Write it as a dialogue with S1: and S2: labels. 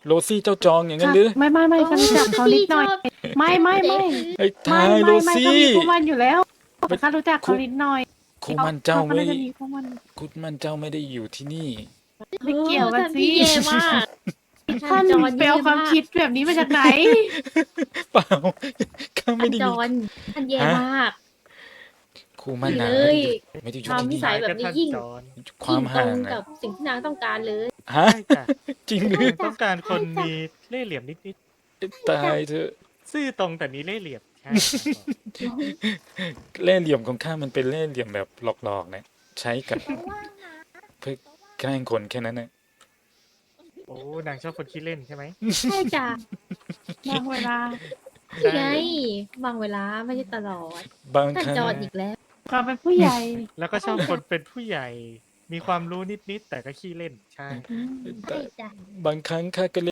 S1: โรซี่เจ้าจองอย่างนั้นหรือ
S2: ไม่ฉันรู้จักเขานิดหน่อยไม่
S1: ไอ้ทายโร
S2: เขา
S1: ซี่
S2: มีคู่มันอยู่แล้วข้ารู้จักเขานิดหน่อย
S1: คู่มันเจ้า
S2: เขา
S1: ไม่
S2: น่าจะมีคู่มัน
S1: คู่มันเจ้าไม่ได้อยู่ที่นี่
S2: ไม่เกี่ยวกันสิ
S3: ท่านพี่เย่มาก
S2: ท่าน
S3: จอน
S2: ไปเอา
S3: เย่
S2: ความ
S3: มาก
S2: คิดแบบนี้มาจากไหน
S1: เปล่าข้า
S3: ท่า
S1: ไม่
S3: น
S1: ได้
S3: จ
S1: มี
S3: อนท่านเย่
S1: ฮะ
S3: มาก
S1: คู่มันหนา
S3: เลย
S1: ไม่ได้อยู่
S3: ความ
S1: ที่
S3: นิ
S1: นี่
S3: สัยแบบนี้ยิ่ง
S4: จอน
S1: ความห่าง
S3: ยิ่ตร
S1: อะ
S3: กับสิ่งที่นางต้องการเลย
S1: ฮะ
S4: ใช่จ้ะ
S1: จริงหรือ
S4: ต้องการคนมีเล่ห์เหลี่ยมนิด
S1: ตายเถอะ
S4: ๆซื่อตรงแต่มีเล่ห์เหลี่ยมใช่
S1: เล่ห์เหลี่ยมของข้ามันเป็นเล่ห์เหลี่ยมแบบหลอกๆนะใช้กับเพื่อแกล้งคนแค่นั้นนะ
S4: โอ้นางชอบคนขี้เล่นใช่ไหม
S3: ใช่จ้ะ
S2: บางเวลา
S3: นี่ไงบางเวลาไม่ใช่ตลอด
S1: บาง
S3: ท่าน
S1: ครั้ง
S3: จอนอีกแล้ว
S2: ความเป็นผู้ใหญ่
S4: แล้วก็ชอบคนเป็นผู้ใหญ่ มีความรู้นิดๆแต่ก็ขี้เล่นใช่
S3: ใช่จ้ะ
S1: บางครั้งข้าก็